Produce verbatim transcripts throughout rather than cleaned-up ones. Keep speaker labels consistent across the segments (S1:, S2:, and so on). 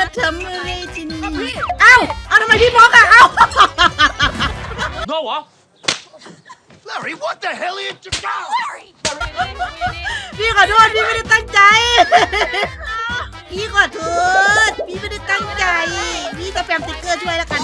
S1: มาทำอะไรที่นี่เอ้าเอาทำไมพี่บล็อกอะเอ้า
S2: No เหรอ
S3: Larry, what the hell are you doing? Larry!
S1: พี่ขอโทษพี่ไม่ได้ตั้งใจ พี่ขอโทษพี่ไม่ได้ตั้งใจพี่จะแปมติ๊กเกอร์ช่วยแล้วกัน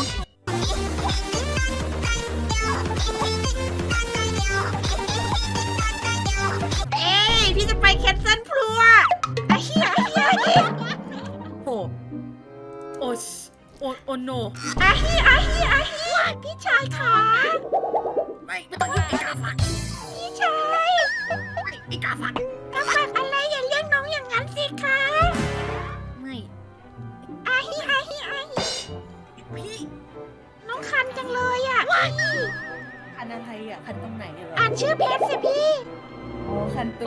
S1: เอ้ยพี่จะไปแคนเซิลพลัวไอ้เหี้ยไอ้เหี้ยไอ้เหี้ย
S4: โอ้โอ้โอ้โอ้โน
S1: ไอ้เหี้ยไอ้เหี้ยไอ้เหี้ยพี่ชายค่ะ
S4: ไม่ไม่ต้องยุ่งไอ้กาฟัน
S1: พี่ชาย
S4: ไอ้กาฟัน
S1: กาฟันอะไรอย่าเรียกน้องอย่างนั้นสิคะ
S4: ไม่
S1: ไอ้เหี้ยไอ้เหี้ยไอ้เหี้ย
S4: พี่
S1: น้องคันจังเลยอ่ะ
S4: คันอะไรอ่ะคันตรงไหนเหรอ
S1: อ่านชื่อเพจสิพี่
S4: โอ้คันตู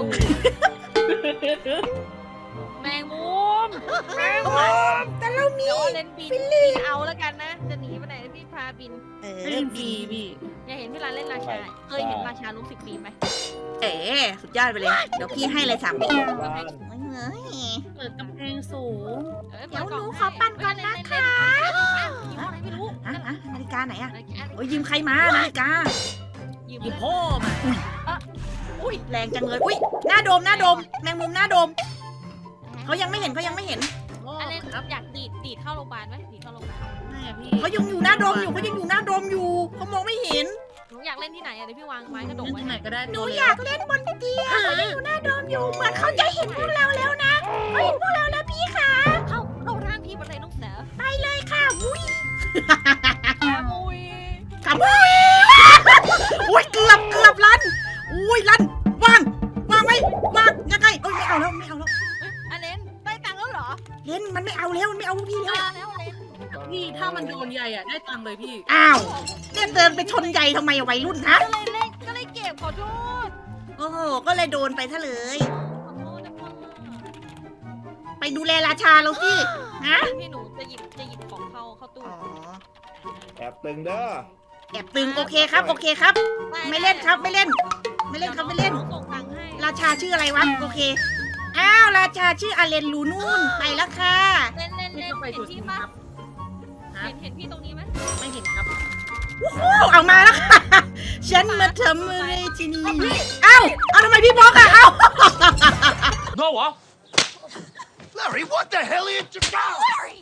S5: แมงมุมแมง
S1: โอ้
S5: มุม
S1: แต่เรามี
S5: เดี๋ยวเลนบิน
S1: ฟิลลี่
S5: บินเอาแล้วกันนะ จะหนีไปไหนพี่พาบิน
S1: เอ
S4: เล่นฟรีพี่
S5: อย่าเห็นพี่รันเล่นราชา เคยเห็นราชาลุกสิบปีไหม
S1: เอ๋สุดยอดไปเลย เดี๋ยวพี่ให้เลยสามปี
S3: บ้าน
S1: เฮ้ย
S4: เปิดกำแพงสูง
S5: อ้
S1: เดี๋ยว
S5: ปิกล่ง
S1: หนู
S5: ให้
S1: ขอปั่นก่อนนะคะ
S5: เล่นๆเล่นๆยิงอะไรไม่รู้
S1: อะอะนาฬิกาไหนอะ
S5: อะไรอะไร
S1: โอ้ยยืมใครมานาฬิกา
S5: ยืม
S4: อี
S5: เลย
S4: พ่อมา
S1: อุ้ยแรงจังเลย อุ้ยหน้าโดมหน้าโดม แมงมุมหน้าโดม เขายังไม่เห็นเขายังไม่เห็น
S4: พ่อ
S5: อันนี้
S4: ครับ
S5: อยากดีดดีดเข้าโรงพยาบาลไหมดีดเข้าโรงพยาบาล
S4: ไม่อะพี่
S1: เขายังอยู่หน้าโดมอยู่เขายังอยู่หน้าโดมอยู่เขามองไม่เห็น
S5: หนูอยากเล่นที่ไหนอะเดี๋ยวพี่วางไม้กระด
S4: เล่
S5: ก
S4: น
S5: ไว้
S4: ที่ไหนก็ได้
S1: หนู
S4: ตัวเล็
S1: อยากเล่นบนเตียงเขายังอยู่หน้าโดมอยู่ เหมือนเขาจะเห็นพวกเราแล้วนะเขาเห็นพวกเราแล้วพี่ค่ะ
S5: เข้าเข้าร่างพี่บนเลยน้องเสือ
S1: ไปเลยค่ะอุ้ย
S5: มุย
S1: ขับอุ้ยอุ้ยเกือบเกือบลันอุ้ยลันวางวางไว้วางยังไงเอ้ยไม่เอาแล้วไม่เอาแล้ว
S5: เฮ้ยอันเลนได้ตังค์แล้วเหรอ
S1: เล่นมันไม่เอาแล้วมันไม่เอาพวกพี่แล้ว
S5: มาแล้วเลน
S4: พี่ถ้ามันโดนใหญ่อ่ะได้ตังค์เลยพี่
S1: อ้าวเนี่ยเดินไปชนใหญ่ทำไมอะวัยรุ่นฮะ
S5: ก็เลยเล่นก็เลยเก็บขอโทษ
S1: โอ้โหก็เลยโดนไปซะเลย
S5: ขอโทษนะพ่อ
S1: ไปดูแลราชาเราสิฮะ
S5: พี่หนูจะหยิบจะหยิบของเข้าเข้าตู้
S1: อ๋อ
S3: แอบตึงเด้อ
S1: แอบตึงโอเคครับโอเคครับ ไม่เล่นครับไม่เล่น ไม่เล่นครับไม่เล่น
S5: ดี๋ยวน้องส่งตังค์ให้
S1: ราชาชื่ออะไรวะโอเคอ้าวราชาชื่ออาเลนลูนู่นไปแล้วค่ะ
S5: เล่นเล่น
S4: พี่
S5: เล่น
S4: ก็ไป
S5: เห็
S4: สุ
S5: น
S4: ด
S5: พี่
S4: ค
S5: ปะ
S4: รับฮะ
S5: เห็นเห็นพี่ตรงนี้ไหม
S4: ไม่เห็นครับ
S1: โอ้โหเอามาแล้วค่ะฉันมาทำอะไรที่นี่เอ้าเอาทำไมพี่บล็อกอะเอ้า
S2: No เหรอ
S3: Larry, what the hell are you doing? Larry!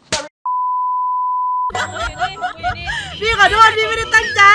S5: คุยนี่คุยนี่
S1: พี่ขอโทษพี่ไม่ได้ตั้งใจ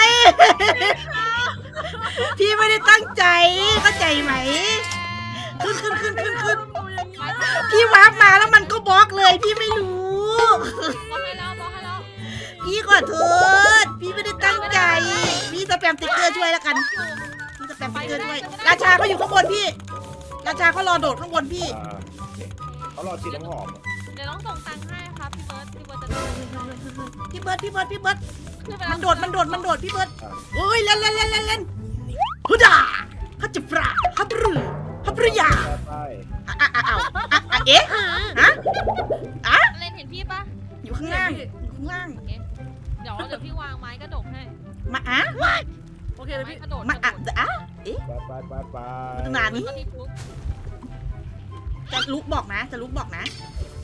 S1: พี่ไม่ได้ตั้งใจเข้าใจไหมขึ้นขึ้นขึ้นขึ้นขึ้น
S5: ไม่ต้อง
S1: พี่วาร์ปมาแล้วมันก็บล็อกเลยพี่ไม่รู้
S5: บอกให้แล้วบอกให้แล้ว
S1: พี่ขอโทษพี่ไม่ได้ตั้งใจ พี่สแปมติ๊กเกอร์ช่วยแล้วกันพี่สแปมติ๊กเกอร์ช่วยราชาเขาอยู่ข้างบนพี่ ราชาเขารอโดดข้างบนพี่
S3: อ่าเขารอฉีดน้ำหอม
S5: เดี๋ยวน้องส่งตังค์ให้ครับพี่เบิร์ดพี่เบิร์ดจะโดน
S1: พี่เบิร์ดพี่เบิร์ดพี่เบิร์ด
S5: ขึ้นไป
S1: มันโดดมันโดดมันโดดพี่เบิร์ด
S3: อ่า
S1: โอ้ยเล่นเล่นเล่นเล่นเล่นฮึดาฮัจจปราฮับรือฮับรืออยา
S3: ไป
S1: อ่ะอ่ะอ่ะอ่ะอ่ะอ่ะเอ๊ะฮะอ่ะ
S5: เล่นเห็นพี่ปะ
S1: อยู่ข้างล่างอยู่ข้างล่าง
S5: โอเคเดี๋ยวเดี๋ยวพี่วางไม้กระดกให้
S1: มาอ่ะ
S4: โอเคเลย
S5: ไม้
S4: พี่
S5: กระโดด
S1: มาอ่ะอ่ะ
S3: ไปไปไปไป
S1: นานนี้
S5: ก็ที่ทุก
S1: จะลุกบอกนะ จะลุกบอกนะ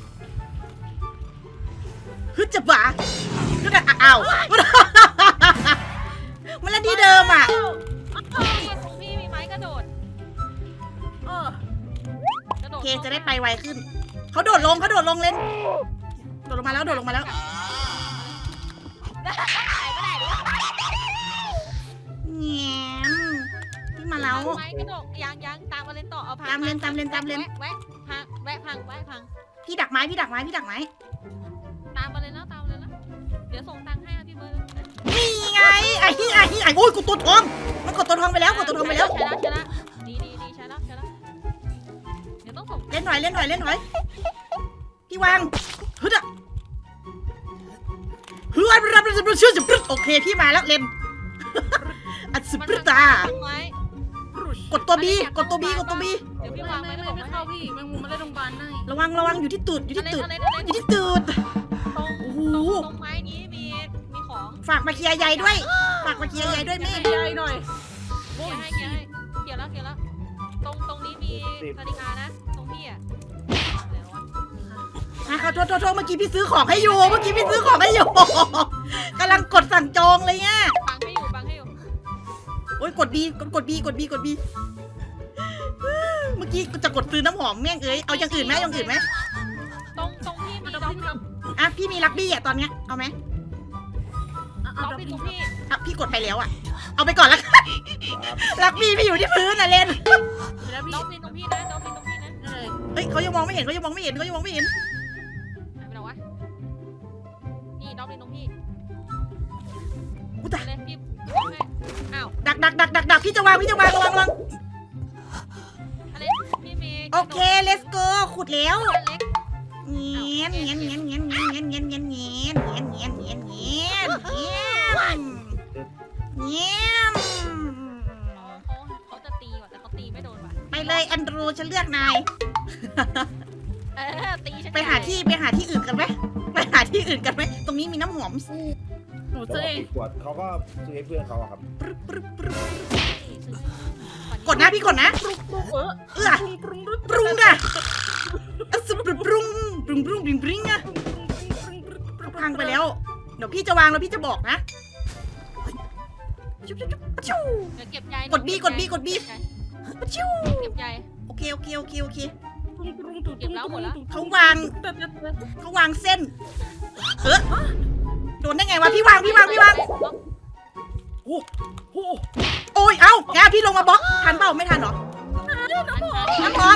S1: ฮึดจะบ่าฮึดอ่ะอ้าวมันเล่นที่เดิมอ่ะ
S5: พี่ตรงพี่มีไม้กระโดด
S4: เออก
S5: ระโด
S1: โอ
S5: ด
S1: เคจะได้ไปไวขึ้นเขาโดดลงเขาโดดลงเล่นโดดลงมาแล้วโดดลงมาแล้ว
S5: ได้ไม่ได้หรือ
S1: แง้มพี่มาแล้ว
S5: ไม้กระโดดยังยังตามมาเล่นต่อเอาพัง
S1: ตามเลนตามเลนตามเลน
S5: แวะพังแวะพังแวะพัง
S1: พี่ดักไม้พี่ดักไม้พี่ดักไม้
S5: ตามมาเลยนะตามมาเลยนะเดี๋ยวส่งตังค์ให้พี่เบิร์ด
S1: นี่ไงไอ้ที่ไอ้ที่ไอ้โอ้ยกดตัวทองมันกดตัวทองไปแล้วกดตัวทองไปแล้ว
S5: ใช่แล้วใช่แล้วดีดีดีใช่แล้วใช่แล้วเดี๋ยวต้องส่ง
S1: เล่นหน่อยเล่นหน่อยเล่นหน่อยพี่วางฮึดอ่ะฮึดอ่ะรับรับรับชื่อจะปรึ๊ดโอเคพี่มาแล้วเล่นอัดสุดปรึ๊ดตา
S5: ไว้
S1: กดตัวบีกดตัวบีกดตัวบี
S5: เดี๋ยวพี่
S4: ไม่
S5: วาง
S4: ไม่
S5: ไว้
S4: ไม่
S5: ไม่
S4: ไม่
S5: เข้า
S4: เข้าพี่แมงมุมมาเล่นโรงพยาบาลได้
S1: ระวังระวังอยู่ที่ตูดอยู่ที่ตูด
S5: อะไร
S1: อ
S5: อะไร
S1: ยู่ที่ตูด
S5: ตรง
S1: โอ้โห
S5: ตรงไม้นี้มีมีของ
S1: ฝากมาเคลียร์ใยด้วยฝากมาเคลียร์ใยด้วยแม่
S4: ใหญ่หน่อย
S5: เกี่ยวให้เกี่ยวให้เกี่ยวแล้วเกี่ยวแล้วตรงตรงนี้มีนาฬิกานะตรงพี่อ่ะเดี๋ยววะ
S1: มาเขาโทษโทษโทษเมื่อกี้พี่ซื้อของให้อยู่เมื่อกี้พี่ซื้อของให้อยู่ กำลังกดสั่งจองเลยเนี่ย
S5: บังให้อยู่บังให้อยู่
S1: โอ้ยกดบีกดกดบีกดบีกดบีเมื่อกี้จะกดซื้อน้ำหอมแม่งเอ้ยเอาอย่างอื่นไหมเอาอย่างอื่นไหม
S5: ตรงตรงพี่มีด็อกด็อก
S1: อ่ะพี่มีลักบี้อ่ะตอนเนี้ยเอาไหม
S4: เอา
S5: ด็อก
S4: เอา
S5: พี่ตรงพี่
S1: อ่ะพี่กดไปแล้วอ่ะเอาไปก่อนละกันลักบี้พี่อยู่ที่พื้นน่ะเล่น
S4: แล้วพี่
S5: ด็อกพี่ตรงพี่นะด็อกพี่ตรงพี่นะ
S4: เลย
S1: เฮ้ยเขายังมองไม่เห็นเขายังมองไม่เห็นเขายังมองไม่เห็น
S5: หายไปไหนวะนี่ด็อกพี่ตรงพี่
S1: อุ้ย
S5: ไป
S1: ตาย
S5: เลยพี่ให้อ้าว
S1: ดักดักดักดักดักพี่จะวางพี่จะวางระวังระวัง
S5: อะไรพี่เมย์
S1: โอเค let's go ขุดแล้ว
S5: อันเล็ก
S1: เงี้ยนเงี้ยนเงี้ยนเงี้ยนเงี้ยนเงี้ยนเงี้ยนเงี้ยนเงี้ยนเงี้ยนเงี้ยนเงี้ยนเงี้ยนเงี้ยน
S5: อ๋อเขาเขาจะตีว่ะแต่เขาตีไม่โดนว่ะ
S1: ไปเลยแอนดรูฉันเลือกนาย
S5: เออตีฉัน
S1: ไปหาที่ไปหาที่อื่นกันไหมไปหาที่อื่นกันไหมตรงนี้มีน้ำหอม
S4: หนูซื้อเอง
S6: ขวดเขาก็ซื้อให้เพื่อนเขาอะครับ
S1: ปรึ๊บปรึ๊บปรึ๊บ
S5: ซื้อก
S1: ดนะพี่กดนะ
S4: เออ
S1: เอื้อ
S4: ปรุงปรุง
S1: ปรุงอะอะสุปรุงปรุงปรุงปรุงปรุงปรุงอะพังไปแล้วเดี๋ยวพี่จะวางแล้วพี่จะบอกนะชุบชุบชุบชิว
S5: เดี๋ยวเก็บใย
S1: กด B กด B กด B ชิว
S5: เก็บใย
S1: โอเคโอเคโอเคโอเค
S5: เก็บแล้วหมดแล้ว
S1: เขาวางเขาวางเส้นเออโดนได้ไงวะพี่วางพี่วางพี่วาง
S6: โอ้โห
S1: โอ้ยเอ้าแกพี่ลงมาบล็อกทันเปล่าไม่ทันหรอน้ำหอม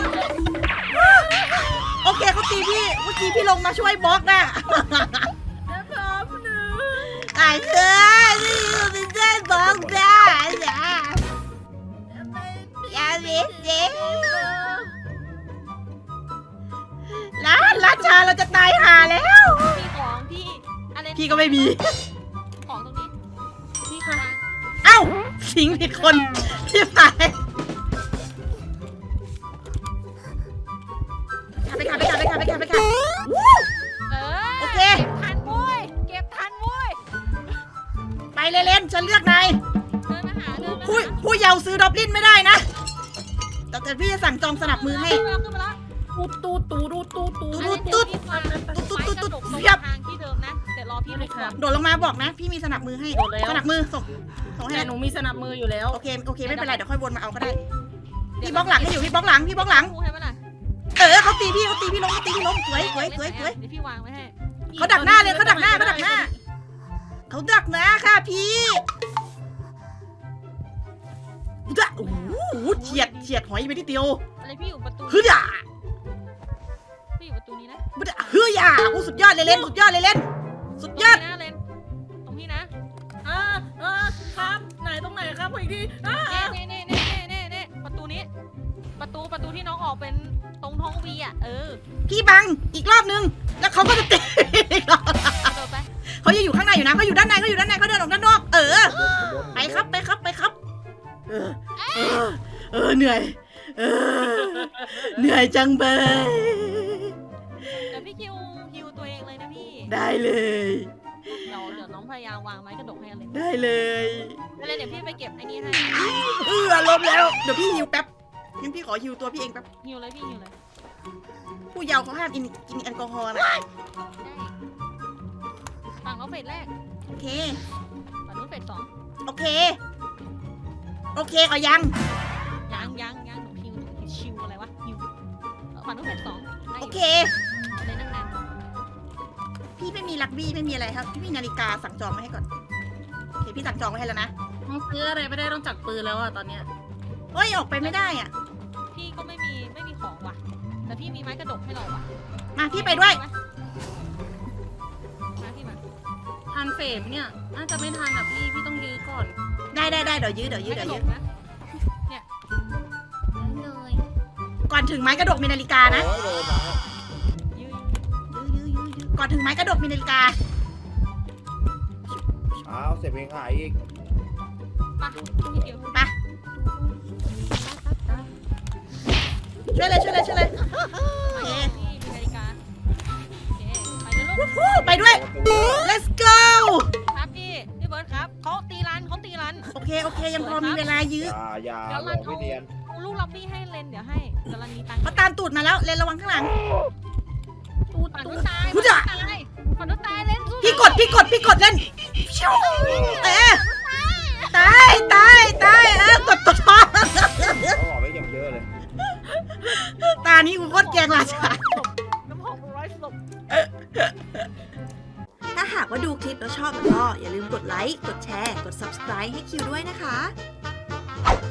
S1: โอเคเขาตีพี่เมื่อกี้พี่ลงมาช่วยบล็อกน่ะ
S4: นะครับหนึ่ง
S1: ตายเถอะที่อยู่เป็นเส้นบล็อกได้อย่าอย่าเบียดเสียร้านราชาเราจะตายห่าแล้ว
S5: พี่ของพี่อะไร
S1: พี่ก็ไม่มี
S5: ของตรงนี้
S4: พี่คะ
S1: เอ้าทิ้งผิดคนพี่ไปขับไปขับไปขับไปขับไปขับไปขับ
S5: เออ
S1: โอเค
S5: เก็บทันโว้ยเก็บทันโว้ย
S1: ไปเล่นๆฉันเลือกนาย
S5: เดินมาหาเดินมา
S1: ผู้ผู้เยาว์ซื้อดอบลินไม่ได้นะแต่แต่พี่จะสั่งจองสนับมือให้
S5: ขึ้นมาขึ้นมาแล้ว
S4: ตูตูตูตูตูตู
S1: ตุ๊ด
S5: ตุ๊ดตุ๊ดตุ๊ด
S1: ตุ๊
S5: ตุ๊
S1: ด
S5: ด
S1: ตุ๊
S5: ตุ๊
S1: ด
S5: ด
S1: เทียบ
S5: ทางที่เดิมนะเดี๋ยวรอพี่ลงก่อน
S1: โดดลงมาบอกนะ พี่มีสนับมือให้
S4: โดดแล้ว
S1: สนับมือส่งส่งให้
S4: แต่
S1: นะ
S4: หนูมีสนับมืออยู่แล้ว
S1: โอเคโอเคไม่เป็นไรเดี๋ยวค่อยวนมาเอาก็ได้พี่บล็อกหลังให้อยู่พี่บล็อกหลังพี่บล็อกหลัง
S5: ให้ไหมล่ะ
S1: เออเขาตีพี่เขาตีพี่ล้มเขาตีพี่ล้มสวยสวยสวยสวย
S5: เดี๋ยวพี่วางไว้ให้
S1: เขาดักหน้าเลยเขาดักหน้าเขาดักหน้าเขาดักหน้าค่ะพี่จะโอ้โหเฉียดเฉียดหอยไปนิดเดียว
S5: อะไรพี่อยู่ประตู
S1: ฮึด่า
S5: พี่อยู่ประตูนี้นะ
S1: ฮึด่าโอ้สุดยอดเลยเล่นสุดยอดเลยเล่นสุดยอด
S5: ตรงนี้นะเลนตรงนี้นะ
S4: อ่าอ่าครับไหนตรงไหนครับอีกทีอ่า
S5: เน่เน่เน่เน่เน่เน่ประตูนี้ ประตูประตูที่น้องออกเป็นตรงท้องวีอ่ะเออ
S1: พี่บังอีกรอบนึงแล้วเขาก็จะตีอีกรอบ
S5: กระโดดไป
S1: เขายังอยู่ข้างในอยู่นะเขาอยู่ด้านในเขาอยู่ด้านในเขาเดินออกด้านนอกเออไปครับไปครับไปครับเออเออเออเหนื่อยเออเหนื่อยจังเบย
S5: เดี๋ยวพี่คิวคิวตัวเองเลยนะพี่
S1: ได้เลย
S5: เดี๋ยวเดี๋ยวน้องพยายามวางไม้กระดกให้อะไร
S1: ได้เลย
S5: เลยเดี๋ยวพี่ไปเก็บไอ้นี่ให้
S1: เออล้มแล้วเดี๋ยวพี่ฮิวแป๊บงั้นพี่ขอฮิวตัวพี่เองแป๊บ
S5: หิวเลยพี่หิวเลย
S1: ผู้เยาว์เขาห้ามกินกินแอลกอฮอล์นะ
S5: ได้ฝั่งน้องเฟสแรก
S1: โอเค
S5: ฝั่งนู้นเฟสสอง
S1: โอเคโอเคเอายัง
S5: ยังยังยังหนูหิวหนูชิวอะไรวะหิวเออฝั่งนู้นเฟสสองได้
S1: โอ
S5: อยู่
S1: เค
S5: เอาเลยนั่งนาน
S1: พี่ไม่มีลักบี้ไม่มีอะไรครับพี่มีนาฬิกาสั่งจองไว้ให้ก่อนโอเคพี่สั่งจองไว้ให้แล้วนะ
S4: ต้องซื้ออะไรไม่ได้ต้องจับปืนแล้วอ่ะตอนเนี้ย
S1: เฮ้ยออกไปไม่ได้อ่ะ
S5: พี่ก็ไม่มีไม่มีของว่ะ แต่พี่มีไม้กระดกให้เราว่ะ
S1: มาพี่ไปด้วย
S5: มาพี่มา
S4: ทันเฟรมเนี่ยน่าจะไม่ทันอ่ะพี่พี่ต้องยื้อก่อน
S1: ได้ได้ได้เดี๋ยวยื้อเดี๋ยวยื้อ
S5: ไม้ก
S1: เดี๋ยว
S5: ระด
S1: ยื้
S5: ก
S1: อ
S5: นะ
S4: เลย
S1: ก่อนถึงไม้กระดกมีนาฬิกานะ
S6: โอ้ยโดนมา
S5: ยืน
S1: ยื้อยื้อยื้อยื้อก่อนถึงไม้กระดกมีนาฬิกา
S6: อ้าวเสร็จเพลงหายอีก
S5: ปะพี่เกียว
S1: ไปช่วยเลยช่วยเลยช่วยเลยโอเค
S5: พี่มีนาฬิกาโอเคไปเลยลูก
S1: วู้ไปด้วย let's go
S5: ครับพี่พี่เบิร์ดครับเขาตีรันเขาตีรัน
S1: โอเคโอเคยังพอมีเวลายื้อ
S6: อย่าอย่า
S5: เดี๋ยว
S6: หล
S5: รั
S6: อน ก
S5: เอา
S6: ไม่เนียน
S5: เอาลูกล็อบบี้ให้เลนเดี๋ยวให้เดี๋ยวรันมีตังค์
S1: เขาตามตูดมาแล้วเลนระวังข้างหลัง
S4: ตูด
S5: ฝั่ง
S4: ตู
S5: นู้
S4: ด
S5: นตาย
S1: พุ
S5: ฝั่
S1: ท
S5: ง
S1: ธะ
S5: นู้นตายฝั่งนู้นตายเล่นสู้
S1: พี่กดพี่กดพี่กดเล่นชิวเอ๊ะตายตายตายเออกดตัวทอง
S6: เขาบอกไว้อย่างเยอะเลย
S1: ตานี้กูโคตรแกงราชา
S5: น้ำหกร้อยศพ
S1: ถ้าหากว่าดูคลิปแล้วชอบก็อย่าลืมกดไลค์ กดแชร์ กด ซับสไครบ์ ให้คิวด้วยนะคะ